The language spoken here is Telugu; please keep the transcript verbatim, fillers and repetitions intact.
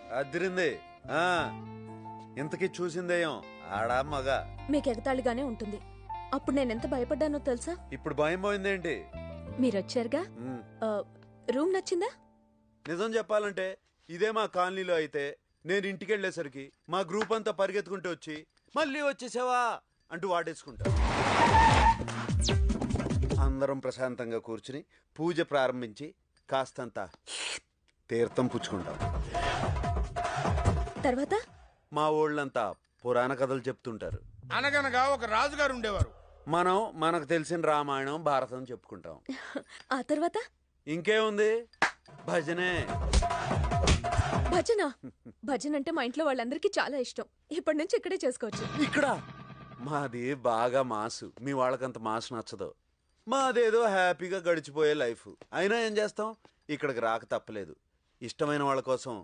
అదిరింది. ఆ ఇంతకీ చూసిందేయం ఆడా మగ? మీకు ఎగతాళిగానే ఉంటుంది. అప్పుడు నేనెంత భయపడ్డానో తెలుసా? ఇప్పుడు భయం పోయిందేంటి? మీరొచ్చారుగా. ఉమ్, రూమ్ నచ్చిందా? నిజం చెప్పాలంటే ఇదే మా కాలనీలో అయితే నేను ఇంటికి వెళ్ళేసరికి మా గ్రూప్ అంతా పరిగెత్తుకుంటూ వచ్చి మళ్ళీ వచ్చేసావా అంటూ వాడేసుకుంటా. అందరం ప్రశాంతంగా కూర్చుని పూజ ప్రారంభించి కాస్తంత తీర్థం పుచ్చుకుంటాం. తర్వాత మా ఊళ్ళంతా పురాణ కథలు చెప్తుంటారు. అనగనగా ఒక రాజుగారు ఉండేవారు. మనం మనకు తెలిసిన రామాయణం భారతం చెప్పుకుంటాం. ఆ తర్వాత ఇంకేముంది, భజనే. భజన భజన అంటే మా ఇంట్లో వాళ్ళందరికీ చాలా ఇష్టం. ఇప్పటి నుంచి ఇక్కడే చేసుకోవచ్చు. ఇక్కడ మాది బాగా మాసు, మీ వాళ్ళకంత మాసు నచ్చదు. మాదేదో హ్యాపీగా గడిచిపోయే లైఫ్. అయినా ఏం చేస్తాం, ఇక్కడికి రాక తప్పలేదు. ఇష్టమైన వాళ్ళ కోసం